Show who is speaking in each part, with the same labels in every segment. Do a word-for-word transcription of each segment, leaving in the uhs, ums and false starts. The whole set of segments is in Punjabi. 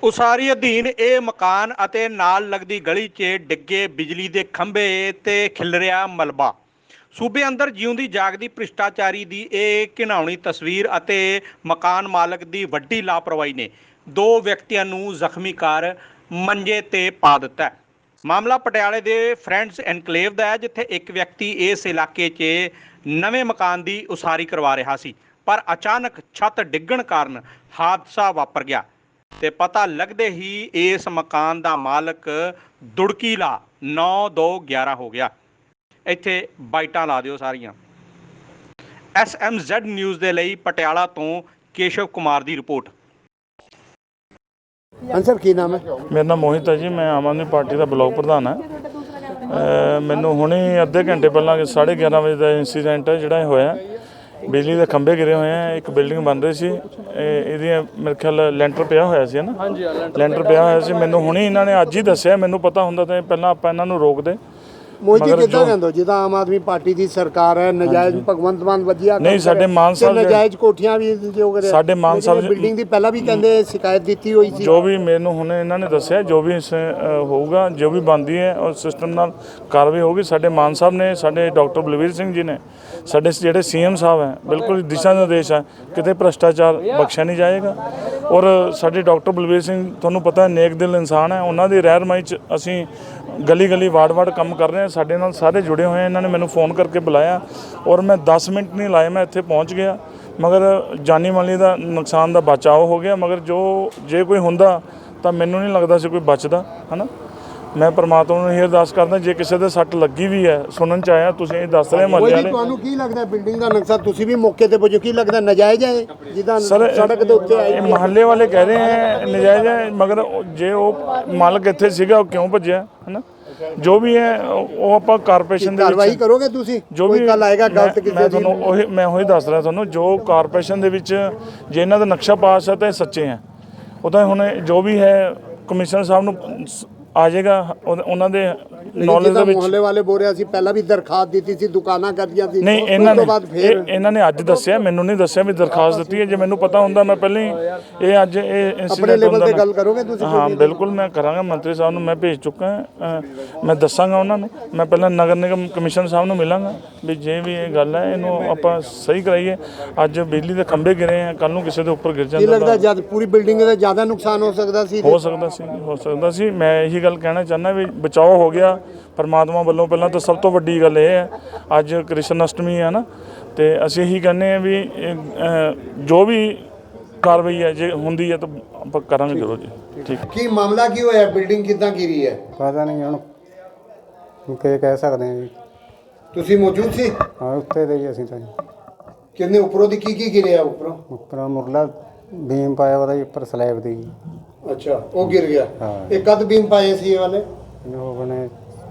Speaker 1: ਉਸਾਰੀ ਅਧੀਨ ਇਹ ਮਕਾਨ ਅਤੇ ਨਾਲ ਲੱਗਦੀ ਗਲੀ 'ਚ ਡਿੱਗੇ ਬਿਜਲੀ ਦੇ ਖੰਭੇ ਤੇ ਖਿਲਰਿਆ ਮਲਬਾ। ਸੂਬੇ ਅੰਦਰ ਜਿਉਂਦੀ ਜਾਗਦੀ ਭ੍ਰਿਸ਼ਟਾਚਾਰੀ ਦੀ ਇਹ ਘਿਨਾਉਣੀ ਤਸਵੀਰ ਅਤੇ ਮਕਾਨ ਮਾਲਕ ਦੀ ਵੱਡੀ ਲਾਪਰਵਾਹੀ ਨੇ ਦੋ ਵਿਅਕਤੀਆਂ ਨੂੰ ਜ਼ਖਮੀ ਕਰ ਮੰਜੇ ਤੇ ਪਾ ਦਿੱਤਾ। ਮਾਮਲਾ ਪਟਿਆਲੇ ਦੇ ਫਰੈਂਡਸ ਐਨਕਲੇਵ ਦਾ ਹੈ, ਜਿੱਥੇ ਇੱਕ ਵਿਅਕਤੀ ਇਸ ਇਲਾਕੇ 'ਚ ਨਵੇਂ ਮਕਾਨ ਦੀ ਉਸਾਰੀ ਕਰਵਾ ਰਿਹਾ ਸੀ, ਪਰ ਅਚਾਨਕ ਛੱਤ ਡਿੱਗਣ ਕਾਰਨ ਹਾਦਸਾ ਵਾਪਰ ਗਿਆ ਤੇ ਪਤਾ ਲੱਗਦੇ ਹੀ ਇਸ ਮਕਾਨ ਦਾ ਮਾਲਕ ਦੁੜਕੀਲਾ ਨੌ ਦੋ ਗਿਆਰਾਂ ਹੋ ਗਿਆ। ਇੱਥੇ ਬਾਈਟਾਂ ਲਾ ਦਿਓ ਸਾਰੀਆਂ। ਐਸ ਐਮ ਜ਼ੈਡ ਨਿਊਜ਼ ਦੇ ਲਈ ਪਟਿਆਲਾ ਤੋਂ ਕੇਸ਼ਵ ਕੁਮਾਰ ਦੀ ਰਿਪੋर्ट।
Speaker 2: ਸਰ ਕੀ ਨਾਮ ਹੈ?
Speaker 3: ਮੇਰਾ ਨਾਮ ਮੋਹਿਤ ਹੈ ਜੀ, ਮੈਂ ਆਮ ਆਦਮੀ ਪਾਰਟੀ ਦਾ ਬਲਾਕ ਪ੍ਰਧਾਨ ਹਾਂ। ਮੈਨੂੰ ਹੁਣੇ ਅੱਧੇ ਘੰਟੇ ਪਹਿਲਾਂ ਸਾਢੇ ਗਿਆਰਾਂ ਵਜੇ ਦਾ ਇੰਸੀਡੈਂਟ ਹੈ ਜਿਹੜਾ ਇਹ ਹੋਇਆ। ਬਿਜਲੀ ਦੇ ਖੰਭੇ ਗਿਰੇ ਹੋਏ ਆ, ਇੱਕ ਬਿਲਡਿੰਗ ਬਣ ਰਹੀ ਸੀ, ਇਹਦੀ ਮੇਰੇ ਖਿਆਲ ਲੈਂਟਰ ਪਿਆ ਹੋਇਆ ਸੀ ਨਾ। ਹਾਂਜੀ, ਲੈਂਟਰ ਪਿਆ ਹੋਇਆ ਸੀ। ਮੈਨੂੰ ਹੁਣੇ ਇਹਨਾਂ ਨੇ ਅੱਜ ਹੀ ਦੱਸਿਆ, ਮੈਨੂੰ ਪਤਾ ਹੁੰਦਾ ਤਾਂ ਪਹਿਲਾਂ ਆਪਾਂ ਇਹਨਾਂ ਨੂੰ ਰੋਕਦੇ।
Speaker 2: ਮੋਦੀ ਕਿੱਦਾਂ ਕਹਿੰਦੇ ਜਿੱਦਾਂ ਆਮ ਆਦਮੀ ਪਾਰਟੀ ਦੀ ਸਰਕਾਰ ਹੈ, ਨਜਾਇਜ਼ ਭਗਵੰਤ ਮਾਨ ਵਧੀਆ
Speaker 3: ਨਹੀਂ, ਸਾਡੇ ਮਾਨ ਸਾਹਿਬ
Speaker 2: ਨਜਾਇਜ਼ ਕੋਠੀਆਂ ਵੀ ਜੋ ਕਰੇ
Speaker 3: ਸਾਡੇ ਮਾਨ ਸਾਹਿਬ
Speaker 2: ਬਿਲਡਿੰਗ ਦੀ ਪਹਿਲਾਂ ਵੀ ਕਹਿੰਦੇ ਸ਼ਿਕਾਇਤ ਦਿੱਤੀ ਹੋਈ ਸੀ।
Speaker 3: ਜੋ ਵੀ ਮੈਨੂੰ ਹੁਣ ਇਹਨਾਂ ਨੇ ਦੱਸਿਆ, ਜੋ ਵੀ ਹੋਊਗਾ, ਜੋ ਵੀ ਬਣਦੀ ਹੈ ਉਹ ਸਿਸਟਮ ਨਾਲ ਕਾਰਵਾਈ ਹੋਊਗੀ। ਸਾਡੇ ਮਾਨ ਸਾਹਿਬ ਨੇ, ਸਾਡੇ ਡਾਕਟਰ ਬਲਵੀਰ ਸਿੰਘ ਜੀ ਨੇ, ਸਾਡੇ ਜਿਹੜੇ ਸੀ ਐਮ ਸਾਹਿਬ ਹੈ, ਬਿਲਕੁਲ ਦਿਸ਼ਾ ਨਿਰਦੇਸ਼ ਹੈ, ਕਿਤੇ ਭ੍ਰਿਸ਼ਟਾਚਾਰ ਬਖਸ਼ਿਆ ਨਹੀਂ ਜਾਏਗਾ। ਔਰ ਸਾਡੇ ਡਾਕਟਰ ਬਲਵੀਰ ਸਿੰਘ ਤੁਹਾਨੂੰ ਪਤਾ ਨੇਕ ਦਿਲ ਇਨਸਾਨ ਹੈ, ਉਹਨਾਂ ਦੀ ਰਹਿਨੁਮਾਈ 'ਚ ਅਸੀਂ ਗਲੀ ਗਲੀ ਵਾਰਡ ਵਾਰਡ ਕੰਮ ਕਰ ਰਹੇ ਹਾਂ। ਸਾਡੇ ਨਾਲ ਸਾਰੇ ਜੁੜੇ ਹੋਏ। ਇਹਨਾਂ ਨੇ ਮੈਨੂੰ ਫ਼ੋਨ ਕਰਕੇ ਬੁਲਾਇਆ ਔਰ ਮੈਂ ਦਸ ਮਿੰਟ ਨਹੀਂ ਲਾਏ, ਮੈਂ ਇੱਥੇ ਪਹੁੰਚ ਗਿਆ। ਮਗਰ ਜਾਨੀ ਮਾਲੀ ਦਾ ਨੁਕਸਾਨ ਦਾ ਬਚਾਓ ਹੋ ਗਿਆ। ਮਗਰ ਜੋ ਜੇ ਕੋਈ ਹੁੰਦਾ ਤਾਂ ਮੈਨੂੰ ਨਹੀਂ ਲੱਗਦਾ ਸੀ ਕੋਈ ਬਚਦਾ, ਹੈ ਨਾ। ਮੈਂ ਪਰਮਾਤਮਾ ਨੂੰ ਇਹ ਅਰਦਾਸ ਕਰਦਾ, ਜੇ ਕਿਸੇ ਦੇ ਸੱਟ ਲੱਗੀ ਵੀ ਹੈ, ਸੁਣਨ 'ਚ ਆਇਆ, ਤੁਸੀਂ ਇਹ ਦੱਸ ਰਹੇ ਮਹੱਲੇ ਵਾਲੇ।
Speaker 2: ਤੁਹਾਨੂੰ ਕੀ ਲੱਗਦਾ ਬਿਲਡਿੰਗ ਦਾ ਨਕਸ਼ਾ ਤੁਸੀਂ ਵੀ ਮੌਕੇ ਤੇ ਪੁੱਜੋ, ਕੀ ਲੱਗਦਾ ਨਜਾਇਜ਼ ਹੈ ਜਿੱਦਾਂ ਸੜਕ ਦੇ ਉੱਤੇ ਆਈ?
Speaker 3: ਮਹੱਲੇ ਵਾਲੇ ਕਹਿ ਰਹੇ ਹੈ ਨਜਾਇਜ਼ ਹੈ, ਮਗਰ ਜੇ ਉਹ ਮਾਲਕ ਇੱਥੇ ਸੀਗਾ ਉਹ ਕਿਉਂ ਭੱਜਿਆ, ਹੈ ਨਾ। ਜੋ ਵੀ ਹੈ ਉਹ ਆਪਾਂ ਕਾਰਪੋਰੇਸ਼ਨ ਦੇ ਵਿੱਚ
Speaker 2: ਕਾਰਵਾਈ ਕਰੋਗੇ ਤੁਸੀਂ?
Speaker 3: ਜੋ ਵੀ
Speaker 2: ਕੱਲ ਆਏਗਾ ਗਲਤ ਕਿਸੇ
Speaker 3: ਮੈਂ ਤੁਹਾਨੂੰ ਉਹੀ ਮੈਂ ਉਹੀ ਦੱਸ ਰਿਹਾ ਤੁਹਾਨੂੰ, ਜੋ ਕਾਰਪੋਰੇਸ਼ਨ ਦੇ ਵਿੱਚ ਜੇ ਇਹਨਾਂ ਦਾ ਨਕਸ਼ਾ ਪਾਸ ਹੈ ਤਾਂ ਇਹ ਸੱਚੇ ਹੈ। ਉਹ ਤਾਂ ਹੁਣ ਜੋ ਵੀ ਹੈ ਕਮਿਸ਼ਨਰ ਸਾਹਿਬ ਨੂੰ ਆ ਜਾਏਗਾ, ਉਹਨਾਂ ਦੇ ਨੌਲੇਜ ਦੇ ਵਿੱਚ।
Speaker 2: ਮੁਹੱਲੇ ਵਾਲੇ ਬੋਲ ਰਿਹਾ ਸੀ ਪਹਿਲਾਂ ਵੀ ਦਰਖਾਸਤ ਦਿੱਤੀ ਸੀ, ਦੁਕਾਨਾਂ ਕਰਦੀਆਂ ਸੀ।
Speaker 3: ਨਹੀਂ, ਇਹਨਾਂ ਨੇ ਇਹਨਾਂ ਨੇ ਅੱਜ ਦੱਸਿਆ, ਮੈਨੂੰ ਨਹੀਂ ਦੱਸਿਆ ਵੀ ਦਰਖਾਸਤ ਦਿੱਤੀ ਹੈ। ਜੇ ਮੈਨੂੰ ਪਤਾ ਹੁੰਦਾ ਮੈਂ ਪਹਿਲਾਂ ਹੀ ਇਹ ਅੱਜ ਇਹ
Speaker 2: ਆਪਣੇ ਲੈਵਲ ਤੇ ਗੱਲ ਕਰੋਗੇ ਤੁਸੀਂ?
Speaker 3: ਹਾਂ ਬਿਲਕੁਲ, ਮੈਂ ਕਰਾਂਗਾ। ਮੰਤਰੀ ਸਾਹਿਬ ਨੂੰ ਮੈਂ ਭੇਜ ਚੁੱਕਾ ਹਾਂ, ਮੈਂ ਦੱਸਾਂਗਾ ਉਹਨਾਂ ਨੂੰ। ਮੈਂ ਪਹਿਲਾਂ ਨਗਰ ਨਿਗਮ ਕਮਿਸ਼ਨਰ ਸਾਹਿਬ ਨੂੰ ਮਿਲਾਂਗਾ ਵੀ ਜੇ ਵੀ ਇਹ ਗੱਲ ਹੈ ਇਹਨੂੰ ਆਪਾਂ ਸਹੀ ਕਰਾਈਏ। ਅੱਜ ਬਿਜਲੀ ਦੇ ਖੰਭੇ ਗਿਰੇ ਆ, ਕੱਲ ਨੂੰ ਕਿਸੇ ਦੇ ਉੱਪਰ ਗਿਰ ਜਾਂਦਾ।
Speaker 2: ਕੀ ਲੱਗਦਾ ਜਦ ਪੂਰੀ ਬਿਲਡਿੰਗ ਦਾ ਜ਼ਿਆਦਾ ਨੁਕਸਾਨ ਹੋ ਸਕਦਾ ਸੀ?
Speaker 3: ਹੋ ਸਕਦਾ ਸੀ ਹੋ ਸਕਦਾ ਸੀ ਮੈਂ ਇਹੀ ਗੱਲ ਕਹਿਣਾ ਚਾਹੁੰਦਾ ਵੀ ਬਚਾਓ ਹੋ ਗਿਆ ਪਰਮਾਤਮਾ ਵੱਲੋਂ। ਪਹਿਲਾਂ ਤਾਂ ਸਭ ਤੋਂ ਵੱਡੀ ਗੱਲ ਇਹ ਹੈ ਅੱਜ ਕ੍ਰਿਸ਼ਨ ਅਸ਼ਟਮੀ ਹੈ ਨਾ, ਤੇ ਅਸੀਂ ਇਹੀ ਕਹਿੰਦੇ ਹਾਂ ਵੀ ਜੋ ਵੀ ਕਾਰਵਾਈ ਹੈ ਜੇ ਹੁੰਦੀ ਹੈ ਤਾਂ ਆਪਾਂ ਕਰਾਂਗੇ ਜ਼ਰੂਰ ਜੀ। ਠੀਕ।
Speaker 2: ਕੀ ਮਾਮਲਾ ਕੀ ਹੋਇਆ? ਬਿਲਡਿੰਗ ਕਿੱਦਾਂ ਗਿਰੀ ਹੈ?
Speaker 4: ਪਤਾ ਨਹੀਂ ਹੁਣ ਕੀ ਕਹਿ ਸਕਦੇ ਹਾਂ ਜੀ।
Speaker 2: ਤੁਸੀਂ ਮੌਜੂਦ ਸੀ?
Speaker 4: ਹਾਂ, ਉੱਤੇ ਦੇ ਜੀ ਅਸੀਂ ਤਾਂ।
Speaker 2: ਕਿੰਨੇ ਉੱਪਰੋਂ ਦੀ ਕੀ ਕੀ ਗਿਰਿਆ? ਉੱਪਰੋਂ
Speaker 4: ਉੱਪਰ ਮੁਰਲਾ ਬੀਮ ਪਾਇਆ ਉਹਦਾ ਉੱਪਰ ਸਲੈਬ ਦੀ।
Speaker 2: ਅੱਛਾ, ਉਹ ਗਿਰ ਗਿਆ।
Speaker 4: ਹਾਂ।
Speaker 2: ਇਹ ਕਦ ਬੀਮ ਪਾਏ ਸੀ ਇਹ ਵਾਲੇ?
Speaker 4: ਹੋ ਗਏ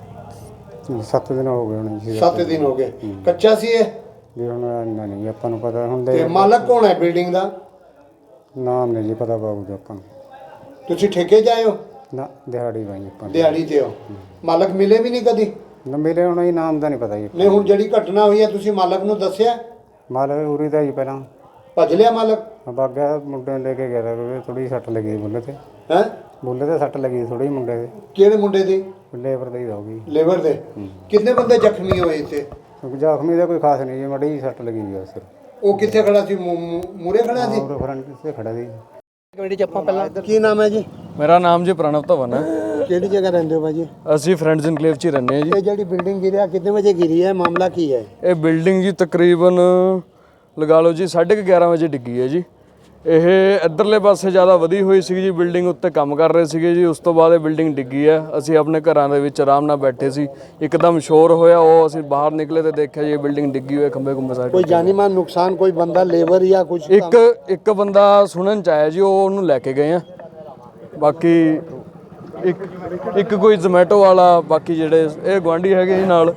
Speaker 4: ਸੱਤ ਦਿਨ ਹੋ ਗਏ ਹੋਣੇ ਜੀ।
Speaker 2: ਸੱਤ ਦਿਨ ਹੋ ਗਏ। ਕੱਚਾ ਸੀ ਇਹ?
Speaker 4: ਜੀ ਹੁਣ ਇੰਨਾ ਨਹੀਂ ਆਪਾਂ ਨੂੰ ਪਤਾ। ਹੁਣ
Speaker 2: ਤੇ ਮਾਲਕ ਕੌਣ ਹੈ ਬਿਲਡਿੰਗ ਦਾ?
Speaker 4: ਨਾਮ ਨਹੀਂ ਜੀ ਪਤਾ ਬਾਬੂ ਆਪਾਂ ਨੂੰ।
Speaker 2: ਤੁਸੀਂ ਠੇਕੇ ਜਾਏ ਹੋ?
Speaker 4: ਨਾ, ਦਿਹਾੜੀ ਬਾਈ ਆਪਾਂ
Speaker 2: ਦਿਹਾੜੀ ਤੇ ਹੋ। ਮਾਲਕ ਮਿਲੇ ਵੀ ਨਹੀਂ ਕਦੀ?
Speaker 4: ਨਾ ਮਿਲੇ ਹੁਣ, ਇਹ ਨਾਮ ਦਾ ਨਹੀਂ ਪਤਾ ਜੀ।
Speaker 2: ਨਹੀਂ, ਹੁਣ ਜਿਹੜੀ ਘਟਨਾ ਹੋਈ ਹੈ ਤੁਸੀਂ ਮਾਲਕ ਨੂੰ ਦੱਸਿਆ?
Speaker 4: ਮਾਲਕ ਉਰੀ ਦਾ ਜੀ ਪਹਿਲਾਂ
Speaker 2: ਭੱਜ ਲਿਆ ਮਾਲਕ?
Speaker 4: ਬਾਗਾ ਮੁੰਡੇ ਨੂੰ ਲੈ ਕੇ ਗਿਆ ਤਾਂ ਥੋੜੀ ਸੱਟ ਲੱਗੀ ਬੁੱਲੇ ਤੇ।
Speaker 2: ਹੈ
Speaker 4: ਬੁੱਲੇ ਤੇ ਸੱਟ ਲੱਗੀ ਥੋੜੀ ਮੁੰਡੇ ਦੇ।
Speaker 2: ਕਿਹੜੇ ਮੁੰਡੇ ਦੀ?
Speaker 4: ਲੇਬਰ ਦੀ ਹੋ ਗਈ।
Speaker 2: ਲੇਬਰ ਦੇ? ਕਿੰਨੇ ਬੰਦੇ ਜ਼ਖਮੀ ਹੋਏ ਇੱਥੇ?
Speaker 4: ਜ਼ਖਮੀ ਦਾ ਕੋਈ ਖਾਸ ਨਹੀਂ ਜੀ, ਮੜੀ ਸੱਟ ਲੱਗੀ ਜੀ ਸਿਰ।
Speaker 2: ਉਹ ਕਿੱਥੇ ਖੜਾ ਸੀ? ਮੂਰੇ ਖੜਾ ਸੀ?
Speaker 4: ਉਹ ਫਰੰਟ ਤੇ ਖੜਾ ਸੀ।
Speaker 2: ਕਮੇਟੀ ਚ ਆਪਾਂ ਪਹਿਲਾਂ ਕੀ ਨਾਮ ਹੈ ਜੀ?
Speaker 5: ਮੇਰਾ ਨਾਮ ਜੀ ਪ੍ਰਣਵ ਧਵਨ ਹੈ।
Speaker 2: ਕਿਹੜੀ ਜਗ੍ਹਾ ਰਹਿੰਦੇ ਹੋ ਭਾਜੀ?
Speaker 5: ਅਸੀਂ ਫਰੈਂਡਸ ਇਨਕਲੇਵ 'ਚ ਹੀ ਰਹਿੰਦੇ ਹਾਂ ਜੀ।
Speaker 2: ਇਹ ਜਿਹੜੀ ਬਿਲਡਿੰਗ ਗਿਰਿਆ ਕਿੰਨੇ ਵਜੇ ਗਿਰੀ ਹੈ? ਮਾਮਲਾ ਕੀ ਹੈ?
Speaker 5: ਇਹ ਬਿਲਡਿੰਗ ਜੀ ਤਕਰੀਬਨ ਲਗਾ ਲਓ ਜੀ ਸਾਢੇ ਕੁ ਗਿਆਰਾਂ ਵਜੇ ਡਿੱਗੀ ਹੈ ਜੀ। ਇਹ ਇੱਧਰਲੇ ਪਾਸੇ ਜ਼ਿਆਦਾ ਵਧੀ ਹੋਈ ਸੀ ਜੀ, ਬਿਲਡਿੰਗ ਉੱਤੇ ਕੰਮ ਕਰ ਰਹੇ ਸੀਗੇ ਜੀ। ਉਸ ਤੋਂ ਬਾਅਦ ਇਹ ਬਿਲਡਿੰਗ ਡਿੱਗੀ ਹੈ। ਅਸੀਂ ਆਪਣੇ ਘਰਾਂ ਦੇ ਵਿੱਚ ਆਰਾਮ ਨਾਲ ਬੈਠੇ ਸੀ, ਇੱਕਦਮ ਸ਼ੋਰ ਹੋਇਆ, ਉਹ ਅਸੀਂ ਬਾਹਰ ਨਿਕਲੇ ਤੇ ਦੇਖਿਆ ਜੀ ਇਹ ਬਿਲਡਿੰਗ ਡਿੱਗੀ ਹੋਈ ਹੈ, ਖੰਭੇ ਖੁੰਭੇ ਸਾਰੇ।
Speaker 2: ਕੋਈ ਜਾਨੀ ਮਾਨ ਨੁਕਸਾਨ? ਕੋਈ ਬੰਦਾ ਲੇਬਰ ਜਾਂ ਕੁਝ?
Speaker 5: ਇੱਕ ਇੱਕ ਬੰਦਾ ਸੁਣਨ 'ਚ ਆਇਆ ਜੀ, ਉਹ ਉਹਨੂੰ ਲੈ ਕੇ ਗਏ ਆ। ਬਾਕੀ ਇੱਕ ਇੱਕ ਕੋਈ ਜ਼ੋਮੈਟੋ ਵਾਲਾ, ਬਾਕੀ ਜਿਹੜੇ ਇਹ ਗੁਆਂਢੀ ਹੈਗੇ ਜੀ ਨਾਲ।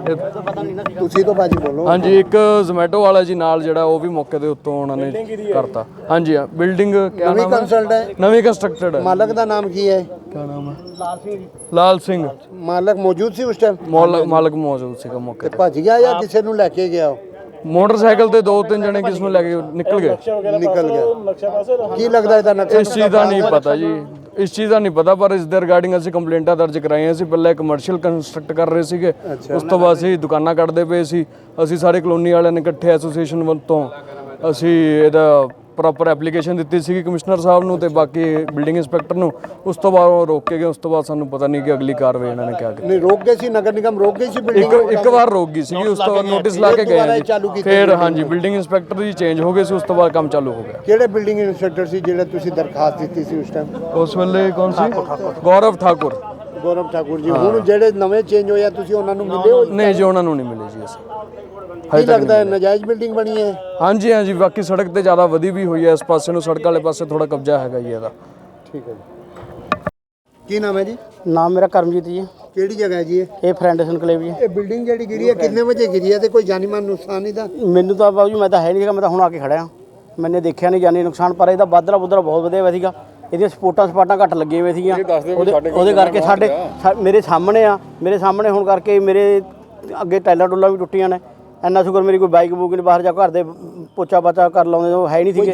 Speaker 2: ਤੁਸੀਂ ਤਾਂ ਭਾਜੀ ਬੋਲੋ।
Speaker 5: ਹਾਂਜੀ, ਇੱਕ ਜ਼ੋਮੈਟੋ ਵਾਲਾ ਜੀ ਨਾਲ ਜਿਹੜਾ, ਉਹ ਵੀ ਮੌਕੇ ਦੇ ਉੱਤੋਂ ਉਹਨਾਂ ਨੇ ਕਰਤਾ। ਹਾਂਜੀ, ਹਾਂ ਬਿਲਡਿੰਗ ਕਿਆ ਨਾਮ
Speaker 2: ਹੈ?
Speaker 5: ਨਵੀਂ ਕੰਸਟਰਕਟਡ ਹੈ।
Speaker 2: ਮਾਲਕ ਦਾ ਨਾਮ ਕੀ ਹੈ?
Speaker 5: ਕਿਆ ਨਾਮ ਹੈ? ਲਾਲ ਸਿੰਘ। ਲਾਲ ਸਿੰਘ।
Speaker 2: ਮਾਲਕ ਮੌਜੂਦ ਸੀ ਉਸ ਟਾਈਮ?
Speaker 5: ਮਾਲਕ ਮੌਜੂਦ ਸੀਗਾ ਮੌਕੇ ਤੇ।
Speaker 2: ਭੱਜ ਗਿਆ ਜਾਂ ਕਿਸੇ ਨੂੰ ਲੈ ਕੇ ਗਿਆ?
Speaker 5: ਮੋਟਰਸਾਈਕਲ ਤੇ ਦੋ ਤਿੰਨ ਜਣੇ ਕਿਸ ਨੂੰ ਲੈ ਕੇ ਨਿਕਲ ਗਏ।
Speaker 2: ਨਿਕਲ ਗਿਆ। ਕੀ ਲੱਗਦਾ ਇਹਦਾ ਨਕਸ਼ਾ?
Speaker 5: ਇਸ ਚੀਜ਼ ਦਾ ਨਹੀਂ ਪਤਾ ਜੀ। ਇਸ ਚੀਜ਼ ਦਾ ਨਹੀਂ ਪਤਾ, ਪਰ ਇਸ ਦੇ ਰਿਗਾਰਡਿੰਗ ਅਸੀਂ ਕੰਪਲੇਂਟਾਂ ਦਰਜ ਕਰਾਈਆਂ ਸੀ। ਪਹਿਲਾਂ ਕਮਰਸ਼ੀਅਲ ਕੰਸਟਰਕਟ ਕਰ ਰਹੇ ਸੀਗੇ, ਉਸ ਤੋਂ ਬਾਅਦ ਅਸੀਂ ਦੁਕਾਨਾਂ ਕੱਢਦੇ ਪਏ ਸੀ। ਅਸੀਂ ਸਾਰੇ ਕਲੋਨੀ ਵਾਲਿਆਂ ਨੇ ਇਕੱਠੇ ਐਸੋਸੀਏਸ਼ਨ ਵੱਲ ਤੋਂ ਅਸੀਂ ਇਹਦਾ ਪ੍ਰੋਪਰ ਐਪਲੀਕੇਸ਼ਨ ਦਿੱਤੀ ਸੀਗੀ ਕਮਿਸ਼ਨਰ ਸਾਹਿਬ ਨੂੰ ਤੇ ਬਾਕੀ ਬਿਲਡਿੰਗ ਇੰਸਪੈਕਟਰ ਨੂੰ। ਉਸ ਤੋਂ ਬਾਅਦ ਉਹ ਰੋਕ ਕੇ ਗਏ। ਉਸ ਤੋਂ ਬਾਅਦ ਸਾਨੂੰ ਪਤਾ ਨਹੀਂ ਕਿ ਅਗਲੀ ਕਾਰਵਾਈ ਇਹਨਾਂ ਨੇ ਕਿਆ ਕੀਤੀ।
Speaker 2: ਨਹੀਂ ਰੋਕ ਗਏ ਸੀ, ਨਗਰ ਨਿਗਮ ਰੋਕ ਗਈ ਸੀ ਬਿਲਡਿੰਗ
Speaker 5: ਇੱਕ ਇੱਕ ਵਾਰ ਰੋਕ ਗਈ ਸੀ, ਉਸ ਤੋਂ ਬਾਅਦ ਨੋਟਿਸ ਲਾ ਕੇ ਗਏ ਜੀ। ਫਿਰ ਹਾਂਜੀ ਬਿਲਡਿੰਗ ਇੰਸਪੈਕਟਰ ਜੀ ਚੇਂਜ ਹੋ ਗਏ ਸੀ, ਉਸ ਤੋਂ ਬਾਅਦ ਕੰਮ ਚਾਲੂ ਹੋ ਗਿਆ।
Speaker 2: ਕਿਹੜੇ ਬਿਲਡਿੰਗ ਇੰਸਪੈਕਟਰ ਸੀ ਜਿਹੜੇ ਤੁਸੀਂ ਦਰਖਾਸਤ ਦਿੱਤੀ ਸੀ ਉਸ ਟਾਈਮ?
Speaker 5: ਉਸ ਵੇਲੇ ਕੌਣ ਸੀ? ਗੌਰਵ ਠਾਕੁਰ।
Speaker 2: ਗੌਰਵ ਠਾਕੁਰ ਜੀ। ਹੁਣ ਜਿਹੜੇ ਨਵੇਂ ਚੇਂਜ ਹੋਇਆ ਤੁਸੀਂ ਉਹਨਾਂ ਨੂੰ ਮਿਲੇ ਹੋ?
Speaker 5: ਨਹੀਂ ਜੀ, ਉਹਨਾਂ ਨੂੰ ਨਹੀਂ ਮਿਲੇ ਜੀ ਅਸੀਂ।
Speaker 2: ਕੀ ਲੱਗਦਾ ਹੈ ਨਜਾਇਜ਼ ਬਿਲਡਿੰਗ ਬਣੀ ਹੈ?
Speaker 5: ਹਾਂਜੀ ਹਾਂਜੀ, ਬਾਕੀ ਸੜਕ ਤੇ ਜ਼ਿਆਦਾ ਵਧੀ ਵੀ ਹੋਈ ਹੈ, ਇਸ ਪਾਸੇ ਨੂੰ ਸੜਕ ਵਾਲੇ ਪਾਸੇ ਥੋੜਾ ਕਬਜ਼ਾ ਹੈਗਾ ਜੀ ਇਹਦਾ।
Speaker 2: ਠੀਕ ਹੈ ਜੀ। ਕੀ ਨਾਮ ਹੈ ਜੀ?
Speaker 6: ਨਾਮ ਮੇਰਾ ਕਰਮਜੀਤ ਜੀ।
Speaker 2: ਕਿਹੜੀ ਜਗ੍ਹਾ ਹੈ ਜੀ ਇਹ?
Speaker 6: ਇਹ ਫਰੈਂਡ ਸੰਕਲੇਵ ਜੀ।
Speaker 2: ਇਹ ਬਿਲਡਿੰਗ ਜਿਹੜੀ ਗਿਰੀ ਹੈ ਕਿੰਨੇ ਵਜੇ ਗਿਰੀ ਹੈ ਤੇ ਕੋਈ ਜਾਨੀ ਮਾਨ ਨੁਕਸਾਨ ਨਹੀਂ ਦਾ?
Speaker 6: ਮੈਨੂੰ ਤਾਂ ਬਾਬੂ ਜੀ ਮੈਂ ਤਾਂ ਹੈ ਨਹੀਂ ਸੀਗਾ, ਮੈਂ ਤਾਂ ਹੁਣ ਆ ਕੇ ਖੜਿਆ। ਮੈਨੇ ਦੇਖਿਆ ਨਹੀਂ ਜਾਨੀ ਨੁਕਸਾਨ, ਪਰ ਇਹਦਾ ਬਾਦਰਾ ਬੁਦਰਾ ਬਹੁਤ ਵਧੀਆ ਹੋਇਆ ਸੀਗਾ। ਇਹਦੀਆਂ ਸਪੋਰਟਾਂ ਸਪਾਟਾਂ ਘੱਟ ਲੱਗੀਆਂ ਹੋਈਆਂ ਸੀਗੀਆਂ। ਉਹਦੇ ਉਹਦੇ ਕਰਕੇ ਸਾਡੇ ਸਾ- ਮੇਰੇ ਸਾਹਮਣੇ ਆ, ਮੇਰੇ ਸਾਹਮਣੇ ਹੋਣ ਕਰਕੇ ਮੇਰੇ ਅੱਗੇ ਟਾਈਲਾਂ ਟੁੱਲਾਂ ਵੀ ਟੁੱਟੀਆਂ ਨੇ। ਇੰਨਾ ਸ਼ੁਕਰ ਮੇਰੀ ਕੋਈ ਬਾਈਕ ਬੂਕ ਨਹੀਂ ਬਾਹਰ ਜਾ ਘਰ ਦੇ ਪੋਚਾ ਪਾਚਾ ਕਰ ਲਾਉਂਦੇ, ਉਹ ਹੈ ਨਹੀਂ ਸੀਗੇ।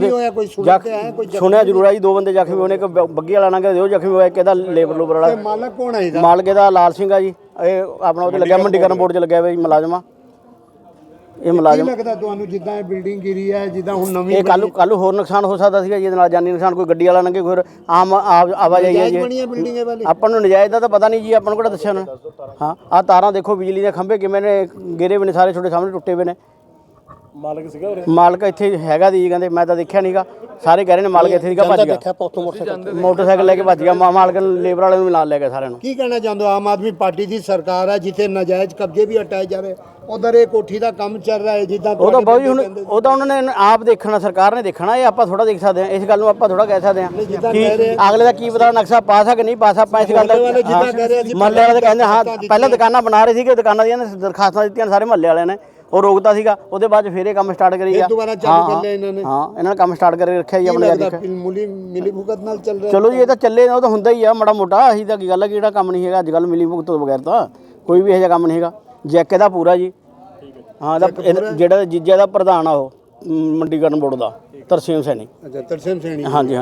Speaker 6: ਸੁਣਿਆ ਜ਼ਰੂਰ ਆ ਜੀ, ਦੋ ਬੰਦੇ ਜ਼ਖਮੀ ਹੋਣੇ, ਇੱਕ ਬੱਗੀ ਵਾਲਾ ਲੰਘਿਆ ਉਹ ਜ਼ਖਮੀ ਹੋਇਆ, ਕਿਹਦਾ ਲੇਬਰ ਲੂਬਰ ਵਾਲਾ।
Speaker 2: ਮਾਲਕ ਕੌਣ ਹੈ ਇਹਦਾ?
Speaker 6: ਮਾਲਕ ਇਹਦਾ ਲਾਲ ਸਿੰਘ ਆ ਜੀ। ਇਹ ਆਪਣਾ ਉਹਦੇ ਲੱਗਿਆ ਮੰਡੀਕਰਨ ਬੋਰਡ 'ਚ ਲੱਗਿਆ ਹੋਇਆ ਜੀ ਮੁਲਾਜ਼ਮ ਆ ਇਹ
Speaker 2: ਕੀ
Speaker 6: ਮੁਲਾਜ਼ਮ।
Speaker 2: ਲੱਗਦਾ ਤੁਹਾਨੂੰ ਜਿੱਦਾਂ ਇਹ ਬਿਲਡਿੰਗ ਗਿਰੀ ਹੈ, ਜਿੱਦਾਂ ਹੁਣ ਨਵੀਂ
Speaker 6: ਇਹ ਕੱਲ ਕੱਲ ਹੋਰ ਨੁਕਸਾਨ ਹੋ ਸਕਦਾ ਸੀਗਾ ਜੀ, ਇਹਦੇ ਨਾਲ ਜਾਨੀ ਨੁਕਸਾਨ। ਕੋਈ ਗੱਡੀ ਵਾਲਾ ਲੰਘੇ, ਕੋਈ ਆਮ ਆਵ- ਆਵਾਜਾਈ ਹੈ
Speaker 2: ਨਜਾਇਜ਼
Speaker 6: ਜੀ।
Speaker 2: ਬਣੀ ਹੈ ਬਿਲਡਿੰਗ ਇਹ ਵਾਲੀ?
Speaker 6: ਆਪਾਂ ਨੂੰ ਨਜਾਇਜ਼ ਦਾ ਤਾਂ ਪਤਾ ਨਹੀਂ ਜੀ, ਆਪਾਂ ਨੂੰ ਕਿਹੜਾ ਦੱਸਿਆ ਉਹਨੇ। ਹਾਂ ਆਹ ਤਾਰਾਂ ਦੇਖੋ, ਬਿਜਲੀ ਦੇ ਖੰਭੇ ਕਿਵੇਂ ਨੇ ਗਿਰੇ ਹੋਏ ਨੇ, ਸਾਰੇ ਤੁਹਾਡੇ ਸਾਹਮਣੇ ਟੁੱਟੇ ਹੋਏ ਨੇ। ਮਾਲਕ ਸੀਗਾ ਉਰੇ? ਮਾਲਕ ਇੱਥੇ ਹੈਗਾ ਦੀ ਜੀ, ਕਹਿੰਦੇ ਮੈਂ ਤਾਂ ਦੇਖਿਆ ਨਹੀਂਗਾ। ਸਾਰੇ ਕਹਿ ਰਹੇ ਨੇ ਮਾਲਕ ਇੱਥੇ ਸੀਗਾ, ਭੱਜ ਗਿਆ ਮੋਟਰਸਾਈਕਲ ਲੈ ਕੇ ਭੱਜ ਗਿਆ। ਮਾ- ਮਾਲਕ ਲੇਬਰ ਵਾਲੇ ਨੂੰ ਵੀ ਨਾਲ ਲੈ ਗਿਆ ਸਾਰਿਆਂ ਨੂੰ।
Speaker 2: ਕੀ ਕਹਿਣਾ ਚਾਹੁੰਦੇ ਹੋ? ਆਮ ਆਦਮੀ ਪਾਰਟੀ ਦੀ ਸਰਕਾਰ ਹੈ ਜਿੱਥੇ ਨਜਾਇਜ਼ ਕਬਜ਼ੇ ਵੀ ਹਟਾਏ ਜਾ ਰਹੇ, ਉਧਰ ਇਹ ਕੋਠੀ ਦਾ ਕੰਮ ਚੱਲ ਰਿਹਾ ਹੈ ਜਿੱਦਾਂ
Speaker 6: ਉਹ ਤਾਂ ਬਾਊ ਜੀ ਹੁਣ ਉਹ ਤਾਂ ਉਹਨਾਂ ਨੇ ਆਪ ਦੇਖਣਾ, ਸਰਕਾਰ ਨੇ ਦੇਖਣਾ। ਇਹ ਆਪਾਂ ਥੋੜਾ ਦੇਖ ਸਕਦੇ ਹਾਂ, ਇਸ ਗੱਲ ਨੂੰ ਆਪਾਂ ਥੋੜਾ ਕਹਿ ਸਕਦੇ ਹਾਂ ਕਿ ਅਗਲੇ ਦਾ ਕੀ ਪਤਾ ਨਕਸ਼ਾ ਪਾਸ ਆ ਕਿ ਨਹੀਂ ਪਾਸ। ਆਪਾਂ ਇਸ ਗੱਲ ਦਾ ਮਹੱਲੇ ਵਾਲੇ ਕਹਿੰਦੇ ਹਾਂ, ਪਹਿਲਾਂ ਦੁਕਾਨਾਂ ਬਣਾ ਰਹੇ ਸੀਗੇ, ਦੁਕਾਨਾਂ ਦੀਆਂ ਦਰਖਾਸਤਾਂ ਦਿੱਤੀਆਂ ਸਾਰੇ ਮਹੱਲੇ ਵਾਲਿਆਂ ਨੇ, ਉਹ ਰੋਕਦਾ ਸੀਗਾ। ਉਹਦੇ ਬਾਅਦ ਫਿਰ ਇਹ ਕੰਮ ਸਟਾਰਟ ਕਰੀ ਗਿਆ।
Speaker 2: ਦੁਬਾਰਾ ਚਾਲੂ ਕਰ ਲਿਆ ਇਹਨਾਂ ਨੇ।
Speaker 6: ਹਾਂ ਇਹਨਾਂ ਨੇ ਕੰਮ ਸਟਾਰਟ ਕਰਕੇ ਰੱਖਿਆ ਜੀ ਆਪਣੇ ਯਾਰ।
Speaker 2: ਮਿਲੀ ਮਿਲੀ ਭੁਗਤ ਨਾਲ ਚੱਲ ਰਿਹਾ।
Speaker 6: ਚਲੋ ਜੀ ਇਹ ਤਾਂ ਚੱਲੇ, ਉਹ ਤਾਂ ਹੁੰਦਾ ਹੀ ਆ ਮਾੜਾ ਮੋਟਾ। ਅਸੀਂ ਤਾਂ ਕੀ ਗੱਲ ਹੈ ਕਿ ਜਿਹੜਾ ਕੰਮ ਨਹੀਂ ਹੈਗਾ ਅੱਜ ਕੱਲ੍ਹ ਮਿਲੀ ਭੁਗਤ ਤੋਂ ਬਗੈਰ ਤਾਂ ਕੋਈ ਵੀ ਇਹੋ ਜਿਹਾ ਕੰਮ ਨਹੀਂ ਹੈਗਾ। ਜੈਕ ਇਹਦਾ ਪੂਰਾ ਜੀ। ਹਾਂ ਇਹਦਾ ਜਿਹੜਾ ਜੀਜਾ ਦਾ ਪ੍ਰਧਾਨ ਆ ਉਹ ਮੰਡੀਕਰਨ ਬੋਰਡ ਦਾ, ਤਰਸੇਮ ਸੈਣੀ।
Speaker 2: ਅੱਛਾ ਤਰਸੇਮ ਸੈਣੀ।
Speaker 6: ਹਾਂਜੀ।